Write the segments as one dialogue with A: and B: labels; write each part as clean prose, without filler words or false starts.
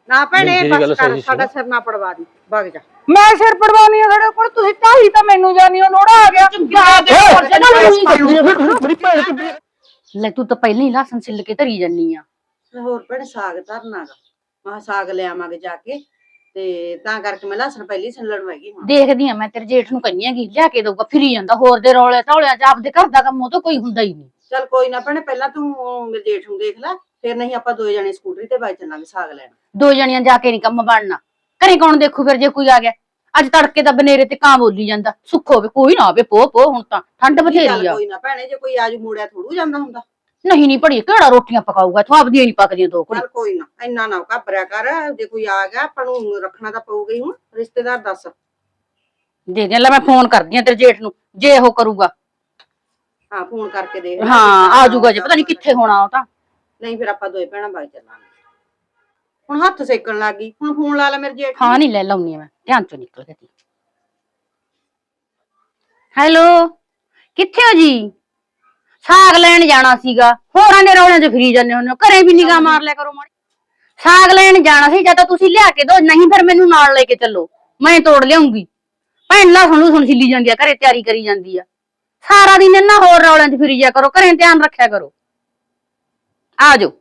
A: ਨਾ ਭੈਣੇ ਬਸ ਕਰ, ਸਾਡਾ ਸਿਰ ਨਾ ਪੜਵਾ ਦੀ, ਭੱਗ ਜਾ।
B: ਮੈਂ ਸਿਰ ਪੜਵਾਉਣੀ ਆ ਤੁਹਾਡੇ ਕੋਲ, ਤੁਸੀਂ ਢਾਈ ਤਾਂ ਮੈਨੂੰ ਜਾਣੀ ਹੋ, ਲੋੜਾ ਆ ਗਿਆ।
C: ਲੈ ਤੂੰ ਤਾਂ ਪਹਿਲਾਂ ਹੀ ਲਸਣ ਛਿੱਲ ਕੇ ਧਰੀ ਜਾਨੀ ਆ।
A: ਹੋਰ ਭੈਣੇ ਸਾਗ ਧਰਨਾਗਾ, ਮੈਂ ਸਾਗ ਲਿਆਵਾਂਗੇ ਜਾ ਕੇ, ਤੇ ਤਾਂ ਕਰਕੇ ਮੈਂ ਲਸਣ ਪਹਿਲੀ ਛਿੱਲਣ ਵਗੀ। ਹੁਣ
C: ਦੇਖਦੀ ਆ, ਮੈਂ ਤੇਰੇ ਜੇਠ ਨੂੰ ਕਹਿੰਨੀ ਆਗੀ ਲਿਆ ਕੇ ਦਊਗਾ, ਫਿਰੀ ਜਾਂਦਾ ਹੋਰ ਦੇ ਰੌਲੇ ਧੌਲਿਆਂ ਚ, ਆਪਦੇ ਘਰ ਦਾ ਕੰਮ ਉਹ ਤਾਂ ਕੋਈ ਹੁੰਦਾ ਹੀ ਨਹੀਂ।
A: ਚੱਲ ਕੋਈ ਨਾ ਭੈਣੇ, ਪਹਿਲਾਂ ਤੂੰ ਮੇਰੇ ਜੇਠ ਨੂੰ ਦੇਖ ਲੈ, ਫਿਰ ਨਹੀਂ ਆਪਾਂ ਦੋਏ ਜਣੇ ਸਕੂਟਰੀ ਤੇ ਬਾਈ ਚੱਲਾਂਗੇ ਸਾਗ ਲੈਣ।
C: ਦੋ ਜਣੀਆਂ ਜਾ ਕੇ ਨੀ ਕੰਮ ਬਣਨਾ, ਘਰੇ ਕੌਣ ਦੇਖੂ ਫਿਰ ਜੇ ਕੋਈ ਆ ਗਿਆ। ਅੱਜ ਤੜਕੇ ਤਾਂ ਬਨੇਰੇ ਤੇ ਕਾਂ ਬੋਲੀ ਜਾਂਦਾ, ਸੁੱਖ ਹੋਵੇ ਕੋਈ ਨਾ ਹੋਵੇ, ਪੋ ਹੁਣ ਤਾਂ ਠੰਡ ਬਥੇਰੀ ਆ।
A: ਕੋਈ ਨਾ ਭੈਣੇ, ਜੇ ਕੋਈ ਆਜੂ ਮੋੜਿਆ ਥੋੜੂ ਜਾਂਦਾ ਹੁੰਦਾ।
C: ਨਹੀਂ ਭੜੀ ਕਿਹੜਾ ਰੋਟੀਆਂ ਪਕਾਊਗਾ, ਤੂੰ ਆਪਦੀਆਂ ਨੀ ਪੱਕਦੀਆਂ ਦੋ ਕੁੜੀ।
A: ਚੱਲ ਕੋਈ ਨਾ, ਇੰਨਾ ਨਾ ਘਬਰਿਆ ਕਰ, ਜੇ ਕੋਈ ਆ ਗਿਆ ਆਪਾਂ ਨੂੰ ਰੱਖਣਾ ਤਾਂ ਪਊਗਾ ਹੀ। ਹੁਣ ਰਿਸ਼ਤੇਦਾਰ ਦੱਸ
C: ਦੇ ਲੈ, ਮੈਂ ਫੋਨ ਕਰਦੀ ਆ ਤੇਰੇ ਜੇਠ ਨੂੰ, ਜੇ ਉਹ ਕਰੂਗਾ।
A: ਹਾਂ ਫੋਨ ਕਰਕੇ ਦੇਖ,
C: ਹਾਂ ਆ ਜਾਊਗਾ, ਜੇ ਪਤਾ ਨੀ ਕਿੱਥੇ ਹੋਣਾ ਉਹ ਤਾਂ।
A: ਨਹੀਂ ਫਿਰ ਆਪਾਂ ਦੋਏ ਭੈਣਾਂ ਬਾਈ ਚੱਲਾਂਗੇ। ਹੁਣ ਹੱਥ ਸੇਕਣ ਲੱਗ ਗਈ, ਹੁਣ ਫੋਨ ਲਾ ਲੈ ਮੇਰੇ ਜੇਠ।
C: ਹਾਂ ਨਹੀਂ ਲੈ ਲਾਉਣੀ ਆ ਮੈਂ, ਧਿਆਨ ਚੋਂ ਨਿਕਲ ਗਈ। ਹੈਲੋ ਕਿੱਥੇ ਹੋ ਜੀ? ਸਾਗ ਲੈਣ ਜਾਣਾ ਸੀਗਾ, ਹੋਰਾਂ ਦੇ ਰੌਲਿਆਂ 'ਚ ਫਿਰੀ ਜਾਂਦੇ ਹੁੰਦੇ ਹੋ, ਘਰੇ ਵੀ ਨਿਗਾਹ ਮਾਰ ਲਿਆ ਕਰੋ ਮਾੜੀ। ਸਾਗ ਲੈਣ ਜਾਣਾ ਸੀ, ਜਾਂ ਤਾਂ ਤੁਸੀਂ ਲਿਆ ਕੇ ਦੋ, ਨਹੀਂ ਫਿਰ ਮੈਨੂੰ ਨਾਲ ਲੈ ਕੇ ਚੱਲੋ, ਮੈਂ ਤੋੜ ਲਿਆਉਂਗੀ। ਭੈਣ ਲਸਣ ਛਿੱਲੀ ਜਾਂਦੀ ਆ, ਘਰੇ ਤਿਆਰੀ ਕਰੀ ਜਾਂਦੀ ਆ। ਸਾਰਾ ਦਿਨ ਇਹਨਾਂ ਹੋਰ ਰੌਲਿਆਂ 'ਚ ਫਿਰੀ ਜਾ ਕਰੋ, ਘਰੇ ਧਿਆਨ ਰੱਖਿਆ ਕਰੋ। ਆ ਜਾਓ।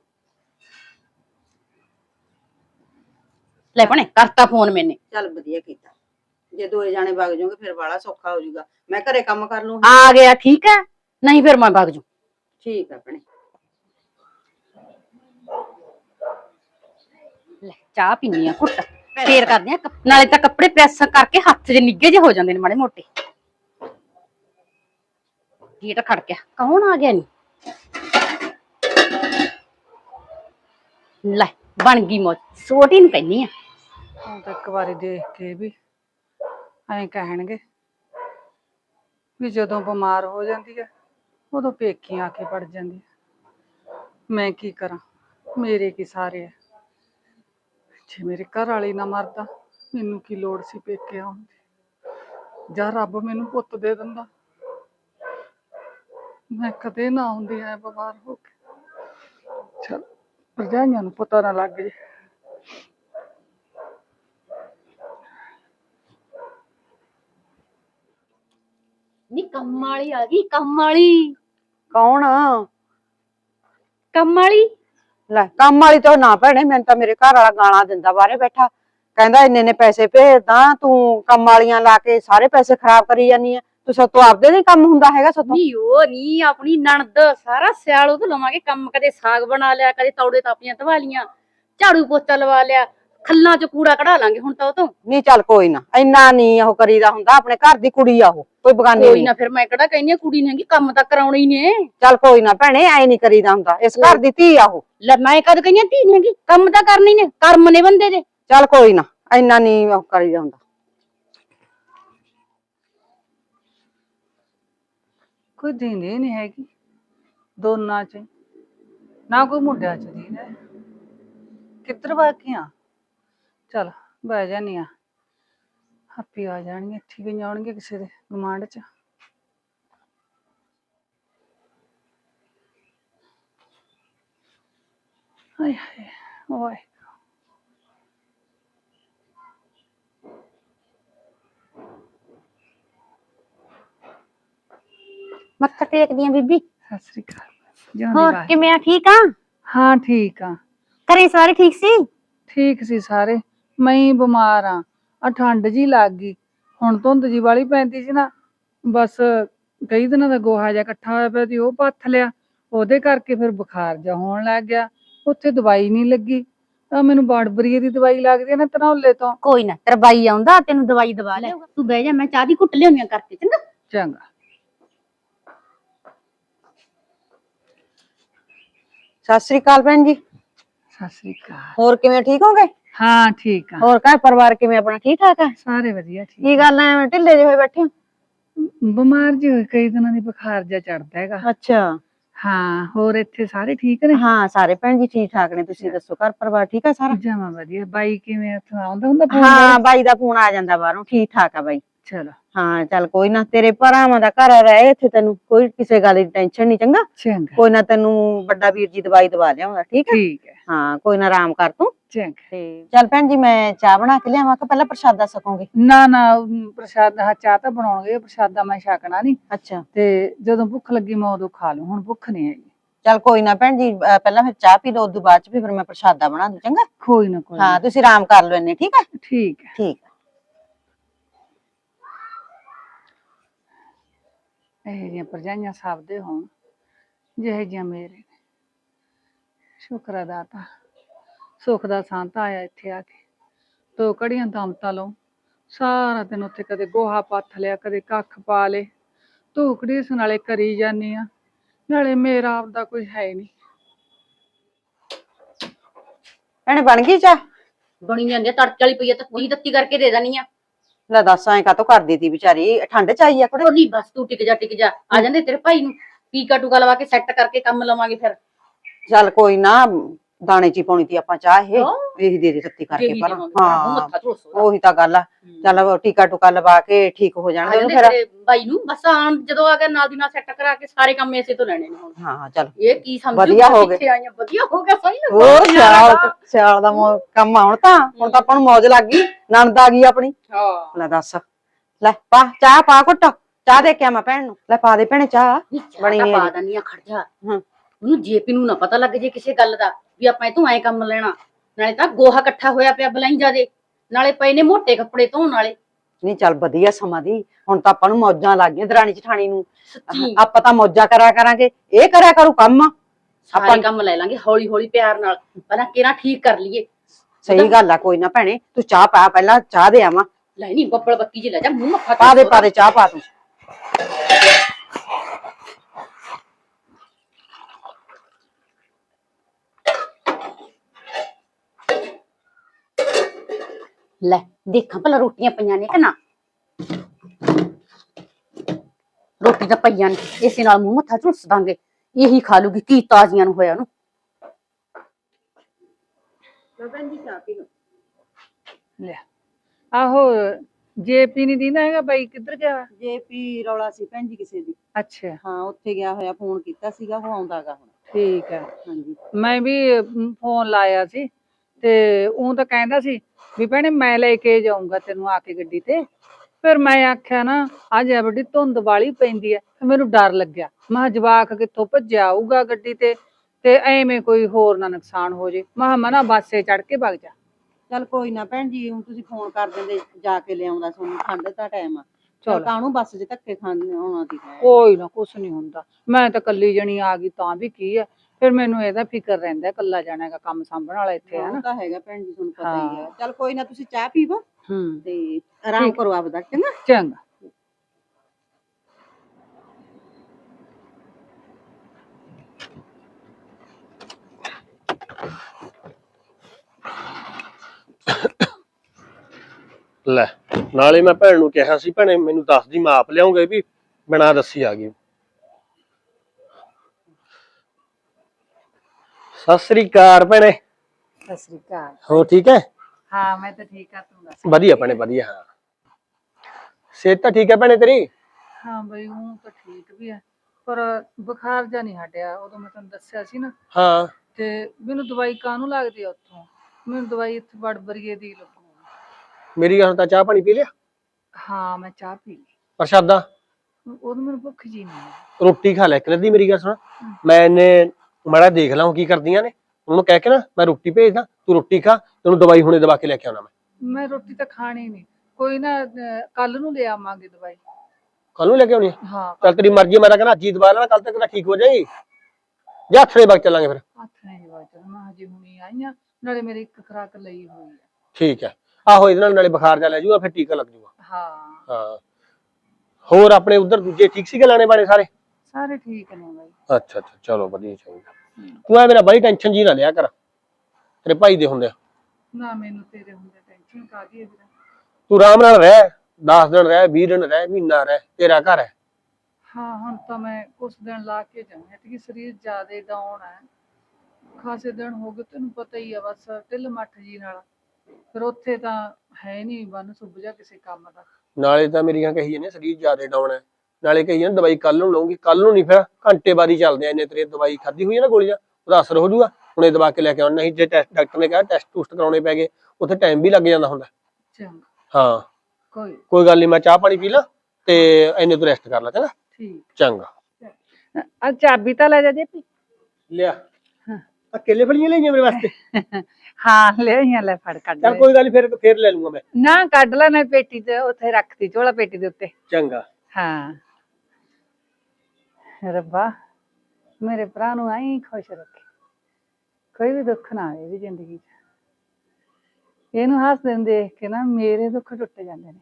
C: ਲੈ ਭਣੇ ਕਰਤਾ ਫੋਨ ਮੈਨੇ।
A: ਚੱਲ ਵਧੀਆ ਕੀਤਾ, ਜੇ ਦੋਏ ਜਾਣੇ ਵਗ ਜਾਓਗੇ ਫਿਰ ਬਾਲਾ ਸੌਖਾ ਹੋ ਜਾਊਗਾ, ਮੈਂ ਘਰੇ ਕੰਮ ਕਰ ਲੂੰ।
C: ਆ ਗਿਆ ਠੀਕ ਹੈ, ਨਹੀਂ ਫਿਰ ਮੈਂ ਵਗ ਜੂ।
A: ਠੀਕ ਆ ਭੈਣੇ।
C: ਲੈ ਚਾਹ ਪੀਣੀ ਆ ਘੁੱਟ, ਫੇਰ ਕਰਦੇ ਆ, ਨਾਲੇ ਤਾਂ ਕੱਪੜੇ ਪ੍ਰੈਸ ਕਰਕੇ ਹੱਥ 'ਚ ਨਿੱਗੇ ਜਿਹੇ ਹੋ ਜਾਂਦੇ ਨੇ ਮਾੜੇ ਮੋਟੇ। ਗੇਟ ਖੜ ਗਿਆ, ਕੌਣ ਆ ਗਿਆ ਨੀ? ਲੈ ਬਣ ਗਈ ਮੌਜ, ਛੋਟੀ ਨੂੰ ਕਹਿੰਨੀ ਆ।
B: ਹੁਣ ਤਾਂ ਇੱਕ ਵਾਰੀ ਦੇਖ ਕੇ ਵੀ ਐਂ ਕਹਿਣਗੇ ਵੀ ਜਦੋਂ ਬਿਮਾਰ ਹੋ ਜਾਂਦੀ ਹੈ ਉਦੋਂ ਪੇਕੀਆਂ ਆ ਕੇ ਪੜ ਜਾਂਦੀ ਹੈ। ਮੈਂ ਕੀ ਕਰਾਂ, ਮੇਰੇ ਕੀ ਸਾਰੇ ਹੈ। ਜੇ ਮੇਰੇ ਘਰ ਵਾਲੀ ਨਾ ਮਰਦਾ, ਮੈਨੂੰ ਕੀ ਲੋੜ ਸੀ ਪੇਕੇ ਆਉਣ ਦੀ। ਜਾਂ ਰੱਬ ਮੈਨੂੰ ਪੁੱਤ ਦੇ ਦਿੰਦਾ, ਮੈਂ ਕਦੇ ਨਾ ਆਉਂਦੀ ਐ ਬਿਮਾਰ ਹੋ ਕੇ। ਚਲ ਭਰਜਾਈਆਂ ਨੂੰ ਪਤਾ ਨਾ ਲੱਗ ਜੇ।
C: ਨੀ ਕੰਮ ਵਾਲੀ ਆ ਗਈ, ਕੰਮ ਵਾਲੀ।
A: ਕੌਣ?
C: ਕੰਮ ਵਾਲੀ?
A: ਲੈ ਕੰਮ ਵਾਲੀ ਤਾਂ ਨਾ ਭੈਣੇ, ਮੈਨੂੰ ਤਾਂ ਮੇਰੇ ਘਰ ਵਾਲਾ ਗਾਲਾਂ ਦਿੰਦਾ ਬਾਹਰੇ ਬੈਠਾ, ਕਹਿੰਦਾ ਇੰਨੇ ਪੈਸੇ ਭੇਜਦਾ ਤੂੰ, ਕੰਮ ਵਾਲੀਆਂ ਲਾ ਕੇ ਸਾਰੇ ਪੈਸੇ ਖਰਾਬ ਕਰੀ ਜਾਨੀ ਆ। ਤੂੰ ਸਤੋਂ ਆਪਦੇ ਨਹੀਂ ਕੰਮ ਹੁੰਦਾ ਹੈਗਾ ਸਤੋਂ?
C: ਨੀ ਉਹ ਨੀ ਆਪਣੀ ਨਣਦ, ਸਾਰਾ ਸਿਆਲ ਉਹ ਤੋਂ ਲਵਾਂਗੇ ਕੰਮ, ਕਦੇ ਸਾਗ ਬਣਾ ਲਿਆ, ਕਦੇ ਤੌੜੇ ਤਾਪੀਆਂ ਧਵਾ ਲੀਆਂ, ਝਾੜੂ ਪੋਚਾ ਲਵਾ ਲਿਆ, ਖੱਲਾਂ ਚ ਕੂੜਾ ਕਢਾ ਲਾਂਗੇ ਹੁਣ ਤਾਂ ਉਹ ਤੋਂ।
A: ਨਹੀਂ ਚੱਲ ਕੋਈ ਨਾ, ਇੰਨਾ ਨੀ ਉਹ ਕਰੀਦਾ ਹੁੰਦਾ, ਆਪਣੇ ਘਰ ਦੀ ਕੁੜੀ ਆ ਉਹ, ਕੋਈ ਬਗਾਨੀ
C: ਕੋਈ ਨਾ, ਫਿਰ ਮੈਂ ਕਿਹੜਾ ਕਹਿੰਦੀ ਆ ਕੁੜੀ ਨੇ ਕੰਮ ਤਾਂ ਕਰਾਉਣਾ ਹੀ ਨੇ।
A: ਚੱਲ ਕੋਈ ਨਾ ਭੈਣੇ, ਐ ਨੀ ਕਰੀਦਾ ਹੁੰਦਾ, ਇਸ ਘਰ ਦੀ ਧੀ ਆ ਉਹ।
C: ਲੈ ਮੈਂ ਕਦ ਕਹਿੰਦੀ ਧੀ ਨੀ ਹੈਗੀ, ਕੰਮ ਤਾਂ ਕਰਨੀ ਨੇ, ਕਰਮ ਨੇ ਬੰਦੇ ਦੇ।
A: ਚੱਲ ਕੋਈ ਨਾ, ਇੰਨਾ ਨੀ ਉਹ ਕਰੀਦਾ ਹੁੰਦਾ।
B: ਕੋਈ ਦਿੰਦੀ ਨਹੀਂ ਹੈਗੀ ਦੋਨਾਂ ਚ, ਨਾ ਕੋਈ ਮੁੰਡਿਆਂ ਚ ਦੀ ਹੈ। ਕਿੱਧਰ ਬਾਕੀਆਂ? ਚਲ ਬਹਿ ਜਾਨੀ ਆ, ਆਪੇ ਆ ਜਾਣਗੇ, ਇੱਥੇ ਗਈਆਂ ਆਉਣਗੇ ਕਿਸੇ ਦੇ ਗੁਆਂਢ ਚ। ਹਾਏ ਹਾਏ ਓਏ,
C: ਮੱਥਾ ਟੇਕਦੀ ਆ ਬੀਬੀ।
B: ਸਤਿ ਸ੍ਰੀ ਅਕਾਲ।
C: ਹੋਰ ਕਿਵੇਂ ਆ, ਠੀਕ ਆ?
B: ਹਾਂ ਠੀਕ ਆ।
C: ਘਰੇ ਸਾਰੇ ਠੀਕ ਸੀ?
B: ਠੀਕ ਸੀ ਸਾਰੇ, ਮੈਂ ਹੀ ਬਿਮਾਰ ਆ ਠੰਡ ਜੀ ਲੱਗ ਗਈ। ਹੁਣ ਧੁੰਦ ਜੀ ਵਾਲੀ ਪੈਂਦੀ ਸੀ ਨਾ, ਬਸ ਕਈ ਦਿਨਾਂ ਦਾ ਗੋਹਾ ਜਿਹਾ ਇਕੱਠਾ ਹੋਇਆ ਪਿਆ ਸੀ, ਉਹ ਪੱਥ ਲਿਆ, ਉਹਦੇ ਕਰਕੇ ਫਿਰ ਬੁਖਾਰ ਜਿਹਾ ਹੋਣ ਲੱਗ ਗਿਆ। ਉੱਥੇ ਦਵਾਈ ਨਹੀਂ ਲੱਗੀ, ਤਾਂ ਮੈਨੂੰ ਬਾੜਬਰੀਏ ਦੀ ਦਵਾਈ ਲੱਗਦੀ ਹੈ ਨਾ ਧਨੌਲੇ ਤੋਂ।
C: ਕੋਈ ਨਾ, ਤੇਰਾ ਬਾਈ ਆਉਂਦਾ ਤੈਨੂੰ ਦਵਾਈ ਦਵਾ ਲੈ, ਤੂੰ ਬਹਿ ਜਾ, ਮੈਂ ਚਾਹ ਦੀ ਘੁੱਟ ਲਿਆਉਣੀ ਆ ਕਰਕੇ, ਚੰਗਾ?
B: ਚੰਗਾ।
A: ਸਤਿ ਸ੍ਰੀ ਅਕਾਲ ਭੈਣ ਜੀ।
B: ਸਤਿ ਸ੍ਰੀ ਅਕਾਲ।
A: ਹੋਰ ਕਿਵੇਂ, ਠੀਕ ਹੋਗੇ?
B: ਹਾਂ ਠੀਕ ਆ।
A: ਹੋਰ ਘਰ ਪਰਿਵਾਰ ਕਿਵੇਂ ਆਪਣਾ, ਠੀਕ ਠਾਕ ਆ?
B: ਸਾਰੇ ਵਧੀਆ ਠੀਕ।
A: ਕੀ ਗੱਲ ਐ ਢਿੱਲੇ ਜਿਹੇ ਹੋਏ ਬੈਠੇ ਹੋ?
B: ਬਿਮਾਰ ਜੀ ਹੋਏ, ਕਈ ਦਿਨਾਂ ਦੀ ਬੁਖਾਰ ਜਿਹਾ ਚੜਦਾ ਹੈਗਾ।
A: ਅੱਛਾ।
B: ਹਾਂ ਹੋਰ ਇੱਥੇ ਸਾਰੇ ਠੀਕ ਨੇ?
A: ਹਾਂ ਸਾਰੇ ਭੈਣ ਜੀ ਠੀਕ ਠਾਕ ਨੇ, ਤੁਸੀਂ ਦੱਸੋ ਘਰ ਪਰਿਵਾਰ ਠੀਕ ਆ ਸਾਰਾ?
B: ਜਮਾਂ ਵਧੀਆ। ਬਾਈ ਕਿਵੇਂ, ਉੱਥੋਂ ਆਉਂਦਾ ਹੁੰਦਾ?
A: ਹਾਂ ਬਾਈ ਦਾ ਫੋਨ ਆ ਜਾਂਦਾ ਬਾਹਰੋਂ, ਠੀਕ ਠਾਕ ਆ ਬਾਈ।
B: ਚਲੋ
A: ਹਾਂ ਚੱਲ ਕੋਈ ਨਾ, ਤੇਰੇ ਭਰਾਵਾਂ ਦਾ ਘਰ ਰਹੇ ਇੱਥੇ, ਤੈਨੂੰ ਕੋਈ ਕਿਸੇ ਗੱਲ ਦੀ ਟੈਨਸ਼ਨ ਨਹੀਂ, ਚੰਗਾ।
B: ਚੰਗਾ
A: ਕੋਈ ਨਾ, ਤੈਨੂੰ ਵੱਡਾ ਵੀਰ ਜੀ ਦਵਾਈ ਦਵਾ ਲਿਆਉਂਦਾ, ਠੀਕ ਹੈ।
B: ਠੀਕ ਹੈ
A: ਹਾਂ ਕੋਈ ਨਾ, ਆਰਾਮ ਕਰ ਤੂੰ।
B: ਚੰਗਾ।
A: ਤੇ ਚੱਲ ਭੈਣ ਜੀ, ਮੈਂ ਚਾਹ ਬਣਾ ਕੇ ਲਿਆਵਾਂ ਕਿ ਪਹਿਲਾਂ ਪ੍ਰਸ਼ਾਦਾ ਸਕੋਗੇ?
B: ਨਾ ਨਾ ਪ੍ਰਸ਼ਾਦ ਚਾਹ ਤਾਂ ਬਣਾਉਣਗੇ, ਪ੍ਰਸ਼ਾਦਾ ਮੈਂ ਛਕਣਾ ਨਹੀਂ।
A: ਅੱਛਾ
B: ਤੇ ਜਦੋਂ ਭੁੱਖ ਲੱਗੀ ਮੈਂ ਉਦੋਂ ਖਾ ਲੂ, ਹੁਣ ਭੁੱਖ ਨਹੀਂ ਹੈਗੀ।
A: ਚੱਲ ਕੋਈ ਨਾ ਭੈਣ ਜੀ, ਪਹਿਲਾਂ ਫਿਰ ਚਾਹ ਪੀ ਲਓ, ਉਦੋਂ ਬਾਅਦ ਚ ਫਿਰ ਮੈਂ ਪ੍ਰਸ਼ਾਦਾ ਬਣਾ ਦੂੰ, ਚੰਗਾ।
B: ਕੋਈ ਨਾ ਕੋਈ
A: ਹਾਂ
B: ਨਾ।
A: ਤੁਸੀਂ ਆਰਾਮ ਕਰ ਲਓ ਇੰਨੇ, ਠੀਕ ਹੈ।
B: ਠੀਕ ਹੈ।
A: ਠੀਕ
B: ਇਹੋ ਜਿਹੀਆਂ ਭਰਜਾਈਆਂ ਸਭ ਦੇ ਹੋਣ ਜਿਹੇ ਜਿਹੀਆਂ ਮੇਰੇ ਨੇ। ਸ਼ੁਕਰ ਅਦਾ ਦਾਤਾ, ਸੁੱਖ ਦਾ ਸੰਤ ਆਇਆ ਇੱਥੇ ਆ ਕੇ, 2 ਘੜੀਆਂ ਦਮ ਤਾਂ ਲਓ। ਸਾਰਾ ਦਿਨ ਉੱਥੇ ਕਦੇ ਗੋਹਾ ਪੱਥ ਲਿਆ, ਕਦੇ ਕੱਖ ਪਾ ਲੇ, ਧੂਕੜੀ ਇਸ ਨਾਲੇ ਕਰੀ ਜਾਨੀ ਆ, ਨਾਲੇ ਮੇਰਾ ਆਪਦਾ ਕੋਈ ਹੈ ਨਹੀਂ।
A: ਭੈਣੇ ਬਣ ਗਈ ਚਾਹ?
C: ਬਣੀ ਜਾਂਦੀ ਆ, ਤੜਕੇ ਵਾਲੀ ਪਈ ਆ, ਤੱਤੀ ਤੱਤੀ ਕਰਕੇ ਦੇ ਦੇਣੀ ਆ।
A: ਲੈ ਦੱਸ, ਐਂ ਕਾਤੋਂ ਕਰਦੀ ਤੀ ਵਿਚਾਰੀ, ਠੰਡ ਚ ਆਈ ਆ ਕੁੜੇ।
C: ਉਹ ਨਹੀਂ ਬਸ ਤੂੰ ਟਿਕ ਜਾ, ਆ ਜਾਂਦੇ ਤੇਰੇ ਭਾਈ ਨੂੰ ਟੀਕਾ ਟੂਕਾ ਲਵਾ ਕੇ ਸੈੱਟ ਕਰਕੇ ਕੰਮ ਲਵਾਂਗੇ ਫਿਰ।
A: ਚੱਲ ਕੋਈ ਨਾ, ਦਾਣੇ ਚ ਹੀ ਪਾਉਣੀ ਤੀ ਆਪਾਂ ਚਾਹ, ਇਹ
C: ਹਾਂ।
A: ਇਹੀ ਦੇ ਦੇ ਤੱਤੀ ਕਰਕੇ
C: ਜਿਹੀ
A: ਪਰ।
C: ਦੇਵਾਂਗੇ,
A: ਹਾਂ
C: ਮੱਥਾ ਝੋਸੋ ਦਾ।
A: ਉਹੀ ਤਾਂ ਗੱਲ ਆ। ਚੱਲ ਟੀਕਾ ਟੂਕਾ ਲਵਾ ਕੇ ਠੀਕ ਹੋ
C: ਆ
A: ਜਾਣਗੇ ਉਹਨੂੰ
C: ਜਾਂਦੇ
A: ਫਿਰ।
C: ਤੇਰੇ ਭਾਈ ਨੂੰ, ਬਸ ਆਣ ਜਦੋਂ ਆ ਗਿਆ ਨਾਲ ਦੀ ਨਾਲ ਸੈੱਟ ਕਰਾ ਕੇ ਸਾਰੇ ਕੰਮ ਇਸੇ ਤੋਂ ਲੈਣੇ ਨੇ ਹੁਣ।
A: ਹਾਂ ਚੱਲ
C: ਇਹ ਕੀ ਸਮਝੂ,
A: ਵਧੀਆ ਹੋ ਗਏ।
C: ਕਿੱਥੇ ਆਈਆਂ, ਵਧੀਆ ਹੋ ਗਿਆ ਸਹੀ ਲੱਗਾ।
A: ਹੋਰ ਸਿਆਲ ਦਾ ਕੰਮ ਆ, ਹੁਣ ਤਾਂ ਆਪਾਂ ਨੂੰ ਮੌਜ ਲੱਗ ਗਈ, ਨਣਦ ਆ ਗਈ ਆਪਣੀ।
C: ਹਾਂ
A: ਲੈ ਦੱਸ, ਲੈ ਪਾ ਚਾਹ, ਪਾ ਘੁੱਟ ਚਾਹ ਦੇ ਕੇ ਆ ਮੈਂ ਭੈਣ ਨੂੰ। ਲੈ ਪਾ ਦੇ ਭੈਣੇ ਚਾਹ, ਬਣੀ
C: ਬਣੀ
A: ਨੀ
C: ਪਾ
A: ਅਜੇ।
C: ਦਨੀ ਆ, ਖੜ ਜਾ।
A: ਹਾਂ
C: ਉਹਨੂੰ ਜੇਪੀ ਨੂੰ ਨਾ ਪਤਾ ਲੱਗ ਜੇ ਕਿਸੇ ਗੱਲ ਦਾ ਵੀ ਆਪਾਂ ਇਹ ਤੋਂ ਐ ਕੰਮ ਲੈਣਾ। ਨਾਲੇ ਤਾਂ ਗੋਹਾ ਇਕੱਠਾ ਹੋਇਆ ਪਿਆ ਬਲਾਈ ਜਾਦੇ, ਨਾਲੇ ਪਏ ਨੇ ਮੋਟੇ ਕੱਪੜੇ ਧੋਣ ਵਾਲੇ।
A: ਨਹੀਂ ਚੱਲ ਵਧੀਆ ਸਮਾਂ ਦੀ, ਹੁਣ ਤਾਂ ਆਪਾਂ ਨੂੰ ਮੌਜਾਂ ਲੱਗ ਗਈਆਂ ਦਰਾਣੀ ਜਠਾਣੀ ਨੂੰ।
C: ਸੱਚੀ
A: ਆਪਾਂ ਤਾਂ ਮੌਜਾਂ ਕਰਿਆ ਕਰਾਂਗੇ, ਇਹ ਕਰਿਆ ਕਰੂ ਕੰਮ।
C: ਸਾਰੇ ਕੰਮ ਲੈ ਲਾਂਗੇ ਹੌਲੀ ਹੌਲੀ ਪਿਆਰ ਨਾਲ, ਪਹਿਲਾਂ ਕਿਹੜਾ ਠੀਕ ਕਰ ਲਈਏ।
A: ਸਹੀ ਗੱਲ ਆ, ਕੋਈ ਨਾ ਭੈਣੇ, ਤੂੰ ਚਾਹ ਪਾ, ਪਹਿਲਾਂ ਚਾਹ ਦੇ ਆਵਾਂ।
C: ਲੈ ਨੀ ਬੱਬਲ ਬੱਕੀ ਜੀ ਲੈ ਜਾ, ਮੂੰਹ ਮੱਥਾ
A: ਪਾ ਦੇ ਚਾਹ ਪਾ ਤੂੰ।
C: ਲੈ ਦੇਖਾਂ ਭਲਾ ਰੋਟੀਆਂ ਪਈਆਂ ਨੇ ਕਿ ਨਾ। ਰੋਟੀ ਤਾਂ ਪਈਆਂ ਨੇ, ਇਸੇ ਨਾਲ ਮੂੰਹ ਮੱਥਾ ਝੁੱਸ ਦਾਂਗੇ, ਇਹੀ ਖਾ ਲੂਗੀ, ਕੀ ਤਾਜ਼ੀਆਂ ਨੂੰ ਹੋਇਆ ਉਹਨੂੰ।
A: ਭੈਣ ਜੀ ਚਾਹ ਪੀ ਲਓ।
B: ਲੈ ਆਹੋ, ਜੇਪੀ ਨਹੀਂ ਦੀਨਾ ਹੈਗਾ ਬਾਈ, ਕਿੱਧਰ ਗਿਆ?
A: ਜੇਪੀ ਰੌਲਾ ਸੀ ਭੈਣ ਜੀ ਕਿਸੇ ਦੀ।
B: ਅੱਛਾ
A: ਹਾਂ ਉੱਥੇ ਗਿਆ ਹੋਇਆ, ਫੋਨ ਕੀਤਾ ਸੀਗਾ, ਉਹ ਆਉਂਦਾਗਾ ਹੁਣ।
B: ਠੀਕ ਹੈ।
A: ਹਾਂਜੀ
B: ਮੈਂ ਵੀ ਫੋਨ ਲਾਇਆ ਸੀ, ਤੇ ਉਹ ਤਾਂ ਕਹਿੰਦਾ ਸੀ ਵੀ ਭੈਣੇ ਮੈਂ ਲੈ ਕੇ ਜਾਊਂਗਾ ਤੈਨੂੰ ਆ ਕੇ ਗੱਡੀ ਤੇ। ਫਿਰ ਮੈਂ ਆਖਿਆ ਨਾ ਅੱਜ ਬੜੀ ਧੁੰਦ ਵਾਲੀ ਪੈਂਦੀ ਹੈ, ਮੈਨੂੰ ਡਰ ਲੱਗਿਆ, ਮੈਂ ਕਿਹਾ ਜਵਾਕ ਕਿੱਥੋਂ ਭੱਜਿਆ ਆਊਗਾ ਗੱਡੀ ਤੇ ਐਵੇਂ ਕੋਈ ਹੋਰ ਨਾ ਨੁਕਸਾਨ ਹੋ ਜੇ। ਮੈਂ ਕਿਹਾ ਮਨਾ ਬੱਸੇ ਚੜ ਕੇ ਵਗ ਜਾ।
A: ਚੱਲ ਕੋਈ ਨਾ ਭੈਣ ਜੀ, ਹੁਣ ਤੁਸੀਂ ਫੋਨ ਕਰ ਦਿੰਦੇ, ਜਾ ਕੇ ਲਿਆਉਂਦਾ, ਤੁਹਾਨੂੰ ਠੰਡ ਦਾ ਟਾਈਮ ਆ।
B: ਚਲੋ।
A: ਚੱਲ ਕਾਹਨੂੰ ਬੱਸ 'ਚ ਧੱਕੇ ਖਾਣੇ ਆਉਣਾ ਦੀ ਹੈ।
B: ਕੋਈ ਨਾ, ਕੁਛ ਨਹੀਂ ਹੁੰਦਾ, ਮੈਂ ਤਾਂ ਕੱਲੀ ਜਣੀ ਆ ਗਈ ਤਾਂ ਵੀ ਕੀ ਹੈ, ਫਿਰ ਮੈਨੂੰ ਇਹਦਾ ਫਿਕਰ ਰਹਿੰਦਾ ਕੱਲਾ ਜਾਣਾ ਹੈਗਾ, ਕੰਮ ਸਾਂਭਣ ਵਾਲਾ ਇੱਥੇ ਹੈ
A: ਉਹ
B: ਨਾ।
A: ਤਾਂ ਹੈਗਾ ਭੈਣ ਜੀ, ਤੁਹਾਨੂੰ ਪਤਾ ਹੀ ਹੈ। ਚੱਲ ਕੋਈ ਨਾ, ਤੁਸੀਂ ਚਾਹ ਪੀਵੋ ਤੇ ਆਰਾਮ
B: ਠੀਕ।
A: ਕਰੋ ਆਪਦਾ, ਚੰਗਾ।
B: ਚੰਗਾ।
D: ਲੈ ਨਾਲੇ ਮੈਂ ਭੈਣ ਨੂੰ ਕਿਹਾ ਸੀ, ਭੈਣੇ ਮੈਨੂੰ ਦੱਸ ਦੀ, ਮੈਂ ਆਪ ਲਿਆਉਂਗੇ, ਵੀ ਬਿਨਾਂ ਦੱਸੀ ਆ ਗਈ। ਸਤਿ ਸ੍ਰੀ ਅਕਾਲ ਭੈਣੇ।
B: ਸਤਿ ਸ੍ਰੀ ਅਕਾਲ।
D: ਹੋ ਠੀਕ ਹੈ?
B: ਹਾਂ ਮੈਂ ਤਾਂ ਠੀਕ ਆ, ਤੂੰ ਦੱਸ?
D: ਵਧੀਆ ਭੈਣੇ ਵਧੀਆ। ਹਾਂ ਸਿਹਤ ਤਾਂ ਠੀਕ ਹੈ ਭੈਣੇ ਤੇਰੀ?
B: ਹਾਂ ਬਈ ਉਹ ਤਾਂ ਠੀਕ ਵੀ ਹੈ, ਪਰ ਬੁਖਾਰ ਜਾ ਨਹੀਂ ਹਟਿਆ। ਉਦੋਂ ਮੈਂ ਤੁਹਾਨੂੰ ਦੱਸਿਆ ਸੀ ਨਾ,
D: ਹਾਂ
B: ਤੇ ਮੈਨੂੰ ਦਵਾਈ ਕਾਹਨੂੰ ਲੱਗਦੀ ਆ ਉੱਥੋਂ, ਮੈਨੂੰ ਦਵਾਈ ਇੱਥੇ ਬੜਬਰੀਏ ਦੀ ਲੱਗੂ।
D: ਮੇਰੀ ਗੱਲ ਤਾਂ ਚਾਹ ਪਾਣੀ ਪੀ ਲਿਆ?
B: ਹਾਂ ਮੈਂ ਚਾਹ ਪੀ ਲਈ।
D: ਪ੍ਰਸ਼ਾਦਾ?
B: ਉਦੋਂ ਮੈਨੂੰ ਭੁੱਖ ਜੀ ਨਹੀਂ।
D: ਰੋਟੀ ਖਾ ਲੈ ਇੱਕ ਅੱਧੀ, ਮੇਰੀ ਗੱਲ ਸੁਣ, ਮੈਂ ਇਹਨੇ ਮਾੜਾ ਦੇਖ ਲਾਂ ਕੀ ਕਰਦੀਆਂ ਨੇ, ਉਹਨੂੰ ਕਹਿ ਕੇ ਨਾ ਮੈਂ ਰੋਟੀ ਭੇਜਦਾ, ਤੂੰ ਰੋਟੀ ਖਾ, ਤੈਨੂੰ ਦਵਾਈ ਹੁਣੇ ਦਵਾ ਕੇ ਲੈ ਕੇ ਆਉਣਾ।
B: ਮੈਂ ਰੋਟੀ ਤਾਂ ਖਾਣੀ ਨਹੀਂ, ਕੋਈ ਨਾ ਕੱਲ ਨੂੰ ਲੈ ਆਵਾਂਗੇ ਦਵਾਈ।
D: ਕੱਲ ਨੂੰ ਲੈ ਕੇ ਆਉਣੀ?
B: ਹਾਂ
D: ਚੱਲ ਤੇਰੀ ਮਰਜ਼ੀ, ਮੈਂ ਤਾਂ ਕਹਿੰਦਾ ਅੱਜ ਹੀ ਦਵਾ ਲੈਣਾ, ਕੱਲ ਤੱਕ ਤਾਂ ਠੀਕ ਹੋ ਜਾਏਗੀ, ਜਾਂ ਹੱਥ ਦੇ ਵਕਤ ਚੱਲਾਂਗੇ ਫਿਰ।
B: ਹੱਥ ਨਹੀਂ ਜਵਾਚਾ, ਮੈਂ ਹਜੇ ਹੁਣੀ ਆਈ ਆ, ਨਾਲੇ ਮੇਰੀ ਇੱਕ ਖੁਰਾਕ ਲਈ ਹੋਈ ਆ।
D: ਠੀਕ ਹੈ, ਆਹੋ ਇਹਦੇ ਨਾਲ ਨਾਲੇ ਬੁਖਾਰ ਜਾ ਲੈ ਜੂਗਾ, ਫਿਰ ਟੀਕਾ ਲੱਗ ਜੂਗਾ।
B: ਹਾਂ
D: ਹਾਂ ਹੋਰ ਆਪਣੇ ਉਧਰ ਦੂਜੇ ਠੀਕ ਸੀਗੇ ਲਾਣੇ ਬਾਣੇ ਸਾਰੇ?
B: ਸਾਰੇ ਠੀਕ ਨੇ ਬਾਈ।
D: ਅੱਛਾ ਅੱਛਾ ਚਲੋ ਵਧੀਆ ਚਾਹੀਦਾ। ਤੂੰ ਐ ਮੇਰਾ ਬੜੀ ਟੈਨਸ਼ਨ ਜੀ ਨਾ ਲਿਆ ਕਰ, ਤੇਰੇ ਭਾਈ ਦੇ ਹੁੰਦੇ।
B: ਨਾ ਮੈਨੂੰ ਤੇਰੇ ਹੁੰਦੇ ਟੈਨਸ਼ਨ ਕਾਹਦੀ ਹੈ ਵੀਰਾ।
D: ਤੂੰ ਆਰਾਮ ਨਾਲ ਰਹਿ, 10 ਦਿਨ ਰਹਿ, 20 ਦਿਨ ਰਹਿ, ਮਹੀਨਾ ਰਹਿ, ਤੇਰਾ ਘਰ ਹੈ।
B: ਹਾਂ ਹੁਣ ਤਾਂ ਮੈਂ ਕੁਛ ਦਿਨ ਲਾ ਕੇ ਜਾਵਾਂ, ਕਿ ਸਰੀਰ ਜ਼ਿਆਦਾ ਡਾਊਨ ਹੈ, ਖਾਸੇ ਦਿਨ ਹੋ ਗਏ, ਤੈਨੂੰ ਪਤਾ ਹੀ ਆ, ਬਸ ਢਿੱਲ ਮੱਠ ਜੀ ਨਾਲ। ਫਿਰ ਉੱਥੇ ਤਾਂ ਹੈ ਨਹੀਂ ਬੰਨ ਸੁੱਭ ਜਾ ਕਿਸੇ ਕੰਮ ਦਾ।
D: ਨਾਲੇ ਤਾਂ ਮੇਰੀਆਂ ਕਹੀ ਜਾਂਦੀਆਂ ਸਰੀਰ ਜ਼ਿਆਦਾ ਡਾਉਣ ਹੈ, ਨਾਲੇ ਕਹੀ ਜਾਂਦੇ ਦਵਾਈ ਕੱਲ ਨੂੰ ਲਵਾਂਗੀ, ਕੱਲ ਨੂੰ ਨਹੀਂ, ਫਿਰ ਘੰਟੇ ਬਾਅਦ ਹੀ ਚੱਲਦੇ ਆ, ਇੰਨੇ ਤੇਰੀ ਦਵਾਈ ਖਾਧੀ ਹੋਈ ਹੈ ਨਾ ਗੋਲੀਆਂ, ਉਹਦਾ ਅਸਰ ਹੋ ਜਾਊਗਾ, ਹੁਣੇ ਦਵਾ ਕੇ ਲੈ ਕੇ ਆਉਣਾ, ਨਹੀਂ ਜੇ ਡਾਕਟਰ ਨੇ ਕਿਹਾ ਟੈਸਟ ਟੂਸਟ ਕਰਾਉਣੇ ਪੈ ਗਏ ਉੱਥੇ ਟਾਈਮ ਵੀ ਲੱਗ ਜਾਂਦਾ ਹੁੰਦਾ।
B: ਚੰਗਾ
D: ਹਾਂ
B: ਕੋਈ
D: ਕੋਈ ਗੱਲ ਨਹੀਂ, ਮੈਂ ਚਾਹ ਪਾਣੀ ਪੀ ਲਾਂ ਤੇ ਇੰਨੇ ਤੂੰ ਰੈਸਟ ਕਰ ਲੈ, ਚੰਗਾ।
B: ਠੀਕ।
D: ਚੰਗਾ
B: ਆ ਚਾਬੀ ਤਾਂ ਲੈ ਜਾ ਜੇ
D: ਲਿਆ, ਆ ਕੇਲੇ ਫਲੀਆਂ ਲਈਆਂ ਮੇਰੇ ਵਾਸਤੇ।
B: ਹਾਂ ਲੈ ਆਈਆਂ, ਲੈ ਫੜ ਕੱਢ
D: ਚੱਲ
B: ਲੈ।
D: ਕੋਈ ਗੱਲ ਨੀ, ਫਿਰ ਲੈ ਲੂੰਗਾ ਮੈਂ।
B: ਨਾ ਕੱਢ ਲੈ ਨਾ, ਪੇਟੀ ਤੇ ਉੱਥੇ ਰੱਖਤੀ ਝੋਲਾ ਪੇਟੀ ਦੇ ਉੱਤੇ।
D: ਚੰਗਾ।
B: ਹਾਂ ਰੱਬਾ ਮੇਰੇ ਭਰਾ ਨੂੰ ਐਂ ਖੁਸ਼ ਰੱਖੇ, ਕੋਈ ਵੀ ਦੁੱਖ ਨਾ ਆਵੇ ਵੀ ਜ਼ਿੰਦਗੀ 'ਚ। ਇਹਨੂੰ ਹੱਸਦੇ ਨੂੰ ਦੇਖ ਕੇ ਨਾ ਮੇਰੇ ਦੁੱਖ ਟੁੱਟ ਜਾਂਦੇ ਨੇ।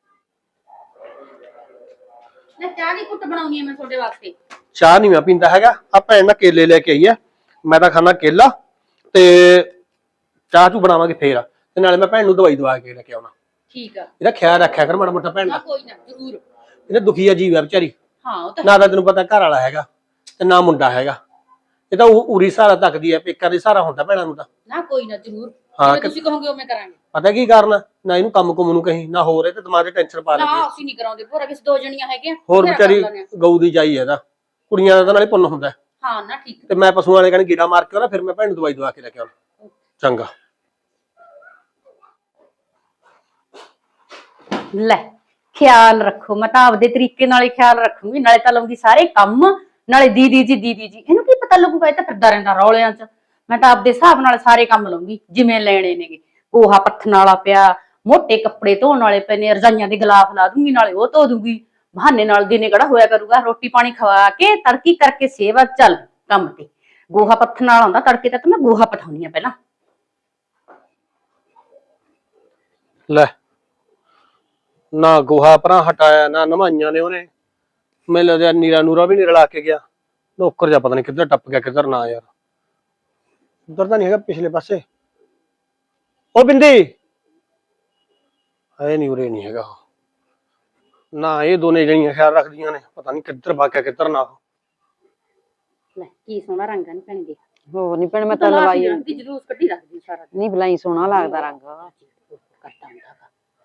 C: ਲੈ ਚਾਹ ਦੀ ਕੁੱਟ ਬਣਾਉਣੀ ਹੈ ਮੈਂ ਤੁਹਾਡੇ ਵਾਸਤੇ।
D: ਚਾਹ ਨਹੀਂ ਮੈਂ ਪੀਂਦਾ ਹੈਗਾ, ਆ ਭੈਣ ਨਾ ਕੇਲੇ ਲੈ ਕੇ ਆਈ ਆ, ਮੈਂ ਤਾਂ ਖਾਣਾ ਕੇਲਾ ਤੇ ਚਾਹ ਚੂ ਬਣਾਵਾਂਗੇ ਫੇਰ, ਤੇ ਨਾਲੇ ਮੈਂ ਭੈਣ ਨੂੰ ਦਵਾਈ ਦਵਾ ਕੇ ਲੈ ਕੇ ਆਉਣਾ।
C: ਠੀਕ ਆ।
D: ਇਹਦਾ ਖਿਆਲ ਰੱਖਿਆ ਕਰ ਮਾੜਾ ਮੋਟਾ ਭੈਣ
C: ਨਾ
D: ਦਾ,
C: ਕੋਈ ਨਾ ਜ਼ਰੂਰ।
D: ਇਹਦਾ ਦੁਖੀ ਆ ਜੀਵ ਆ ਵਿਚਾਰੀ,
C: ਹਾਂ ਉਹ ਤਾਂ
D: ਨਾ ਤਾਂ ਤੈਨੂੰ ਪਤਾ ਘਰ ਵਾਲਾ ਹੈਗਾ ਤੇ ਨਾ ਮੁੰਡਾ ਹੈਗਾ, ਇਹ ਤਾਂ ਉਰੀ ਸਹਾਰਾ ਤੱਕਦੀ ਹੈ, ਪੇਕਾਂ ਦੇ ਸਹਾਰਾ ਹੁੰਦਾ ਭੈਣਾਂ ਨੂੰ ਤਾਂ।
C: ਨਾ ਕੋਈ ਨਾ ਜ਼ਰੂਰ,
D: ਹਾਂ,
C: ਜਿਵੇਂ ਤੁਸੀਂ ਕਹੋਗੇ ਉਵੇਂ ਕਰਾਂਗੇ।
D: ਪਤਾ ਕੀ ਕਾਰਨ, ਨਾ ਇਹਨੂੰ ਕੰਮ ਕੁਮ ਨੂੰ ਕਹੀਂ, ਨਾ ਹੋਰ ਇਹ ਤੇ ਦਿਮਾਗ 'ਚ ਟੈਨਸ਼ਨ ਪਾ
C: ਨਾ
D: ਲੈਂਦੀ ਹੈ।
C: ਅਸੀਂ ਨਹੀਂ ਕਰਾਉਂਦੇ, ਭੋਰਾ ਕਿਸੇ ਦੋ ਜਣੀਆਂ ਹੈਗੀਆਂ
D: ਹੋਰ
C: ਬਥੇਰਾ ਕਰ
D: ਵਿਚਾਰੀ
C: ਲੈਂਦੇ ਆ।
D: ਗਊ ਦੀ ਜਾਈ ਹੈ ਇਹਦਾ, ਕੁੜੀਆਂ ਦਾ ਤਾਂ ਨਾਲੇ ਪੁੰਨ ਹੁੰਦਾ ਹੈ।
C: ਹਾਂ ਨਾ ਠੀਕ।
D: ਤੇ ਮੈਂ ਪਸ਼ੂਆਂ ਵਾਲੇ ਕਹਿੰਦੇ ਗੇੜਾ ਮਾਰ ਕੇ ਆਉਣਾ, ਫਿਰ ਮੈਂ ਭੈਣ ਨੂੰ ਦਵਾਈ ਦਵਾ ਕੇ ਲੈ ਕੇ ਆਉਣਾ। ਚੰਗਾ।
C: ਲੈ ਖਿਆਲ ਰੱਖੋ, ਮੈਂ ਤਾਂ ਆਪਦੇ ਤਰੀਕੇ ਨਾਲ ਹੀ ਖਿਆਲ ਰੱਖੂਗੀ, ਨਾਲੇ ਤਾਂ ਲਾਉਂਗੀ ਸਾਰੇ ਕੰਮ, ਨਾਲੇ ਦੀਦੀ ਜੀ ਇਹਨੂੰ ਕੀ ਪਤਾ ਲੱਗੂਗਾ, ਇਹ ਤਾਂ ਫਿਰਦਾ ਰਹਿੰਦਾ ਰੌਲਿਆਂ 'ਚ। ਮੈਂ ਤਾਂ ਆਪਦੇ ਹਿਸਾਬ ਨਾਲ ਸਾਰੇ ਕੰਮ ਲਾਉਂਗੀ ਜਿਵੇਂ ਲੈਣੇ ਨੇਗੇ। ਗੋਹਾ ਪੱਥਣ ਵਾਲਾ ਪਿਆ, ਮੋਟੇ ਕੱਪੜੇ ਧੋਣ ਵਾਲੇ ਪਏ ਨੇ, ਰਜਾਈਆਂ ਦੇ ਗਲਾਫ ਲਾ ਦੂੰਗੀ, ਨਾਲੇ ਉਹ ਧੋ ਦੂੰਗੀ। ਬਹਾਨੇ ਨਾਲ ਦਿਨੇ ਕਿਹੜਾ ਹੋਇਆ ਕਰੂਗਾ, ਰੋਟੀ ਪਾਣੀ ਖਵਾ ਕੇ ਤੜਕੀ ਕਰਕੇ ਸੇਵਾ ਚੱਲ ਕੰਮ ਤੇ। ਗੋਹਾ ਪੱਥਣ ਵਾਲਾ ਹੁੰਦਾ ਤੜਕੇ ਤੱਕ, ਮੈਂ ਗੋਹਾ ਪਥਾਉਣੀ ਆ ਪਹਿਲਾਂ।
D: ਲੈ ਨਾ ਗੋਹਾ ਪਰਾਂ ਹਟਾਇਆ, ਨਾ ਨਵਾਈਆਂ ਨੇ ਉਹਨੇ, ਮੈਨੂੰ ਲੱਗਦਾ ਨੀਰਾ ਨੂਰਾ ਵੀ ਨਹੀਂ ਰਲਾ ਕੇ ਗਿਆ। ਨੌਕਰ ਜਾ ਪਤਾ ਨਹੀਂ ਕਿੱਧਰ ਟੱਪ ਗਿਆ ਕਿੱਧਰ ਨਾ, ਯਾਰ ਉੱਧਰ ਤਾਂ ਨਹੀਂ ਹੈਗਾ, ਪਿਛਲੇ ਪਾਸੇ। ਉਹ ਬਿੰਦੀ ਹੈ ਨਹੀਂ, ਉਰੇ ਨਹੀਂ ਹੈਗਾ ਨਾ। ਇਹ ਦੋਨੇ ਜਣੀਆਂ ਖਿਆਲ ਰੱਖਦੀਆਂ ਨੇ, ਪਤਾ ਨਹੀਂ ਕਿੱਧਰ ਭਾਗਿਆ ਕਿੱਧਰ ਨਾ।
C: ਲੈ ਕੀ ਸੋਹਣਾ ਰੰਗ ਆ ਨੀ ਭੈਣ ਦੇ।
A: ਹੋਰ ਨਹੀਂ ਭੈਣੇ, ਮੈਂ ਤਾਂ ਲਵਾਈ
C: ਦੀ ਜਲੂਸ ਕੱਢੀ ਰੱਖਦੀ ਸਾਰਾ ਦਿਨ।
A: ਨਹੀਂ ਬਲਾਈ ਸੋਹਣਾ ਲੱਗਦਾ ਰੰਗ।
C: ਕਰਦਾ ਹੁੰਦਾ ਵਾ।